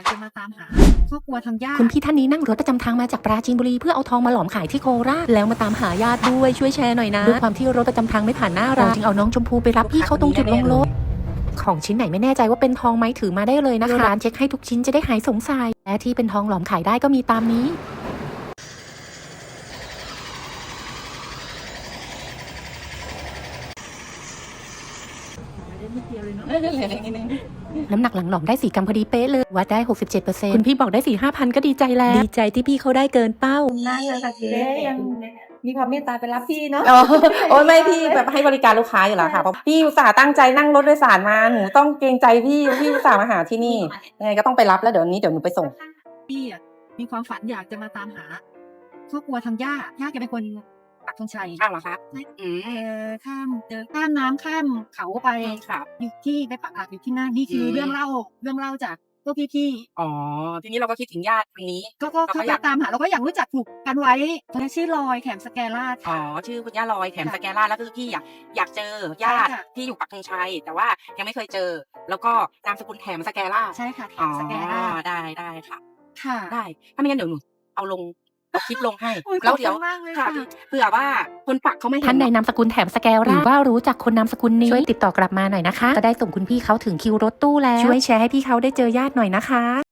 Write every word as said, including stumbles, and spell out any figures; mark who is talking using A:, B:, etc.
A: ากจะมาตามหาครอบครัวทางญาติ
B: คุณพี่ท่านนี้นั่งรถประจำทางมาจากปราจีนบุรีเพื่อเอาทองมาหลอมขายที่โคราชแล้วมาตามหาญาติด้วยช่วยแชร์หน่อยนะด้วยความที่รถประจำทางไม่ผ่านหน้าเราจึงเอาน้องชมพูไปรับพี่เขาตรงจุดลงรถของชิ้นไหนไม่แน่ใจว่าเป็นทองไหมถือมาได้เลยนะคะร้านเช็คให้ทุกชิ้นจะได้หายสงสัยและที่เป็นทองหลอมขายได้ก็มีตามนี้น้ำหนักหลังหลอมได้สี่กรัมพอดีเป๊ะเลยวัดได้ หกสิบเจ็ดเปอร์เซ็นต์ คุณพี่บอกได้ สี่ห้าพัน ก็ดีใจแล้วดีใจที่พี่เขาได้เกินเป้า
C: น่าเลยค่ะเจ๊ยังมีความเมตตาไปรับพี่เนาะ
D: อ๋อโอ้ยไม่พี่แบบให้บริการลูกค้าอยู่แล้วค่ะเพราะพี่อุตส่าห์ตั้งใจนั่งรถโดยสารมาหนูต้องเกรงใจพี่พี่อุตส่าห์มาหาที่นี่ยังไงก็ต้องไปรับแล้วเดี๋ยวนี้เดี๋ยวหนูไปส่ง
A: พี่อะมีความฝันอยากจะมาตามหาครอบครัวทางญาติญาติแกเป็นคนปักธงชัย
D: อ้าวเหรอคะอืม
A: เออข้ามเจอข้ามน้ำข้ามเขาไป
D: ครับ
A: อยู่ที่ไปปักหลักอยู่ที่นั่นนี่คืออ
D: ม
A: เรื่องเล่าเรื่องเล่าจากพวกพี่
D: อ๋อทีนี้เราก็คิดถึงญาติคนนี้
A: ๆก็ก็
D: เราก็
A: เขา
D: อยาก
A: ตามหาเราก็อยากรู้จักผูกกันไว้และชื่อลอยแขมสแกราด
D: อ๋อ
A: ค่ะ
D: ชื่อคุณย่าลอยแถม
A: ค่ะ
D: สแกนล่าแล้วก็คือพี่อยากอยากเจอญาติ
A: ใช่ค่ะ
D: ที่อยู่ปักธงชัย แต่ว่ายังไม่เคยเจอ แล้วก็นามสกุลแถมสแกนล่า
A: ใช่ค่ะแข
D: อ๋อ
A: มสแกราด
D: ได้ได้ค่ะ
A: ค่ะ
D: ได้ถ้าไม่งั้นเดี๋ยวหนูเอาลงเอาคลิปลงให้
A: โอ้ย
D: แล้วเดี๋ยว
A: ขอบคุณมากเลย
D: ค่ะ
A: ค่ะ
D: เผื่อว่าคนปักเขาไม่เห็น
B: ท่านใดนามสกุลแถมสแกลหรือว่ารู้จักคนนามสกุลนี้ช่วยติดต่อกลับมาหน่อยนะคะจะได้ส่งคุณพี่เขาถึงคิวรถตู้แล้วช่วยแชร์ให้พี่เขาได้เจอญาติหน่อยนะคะ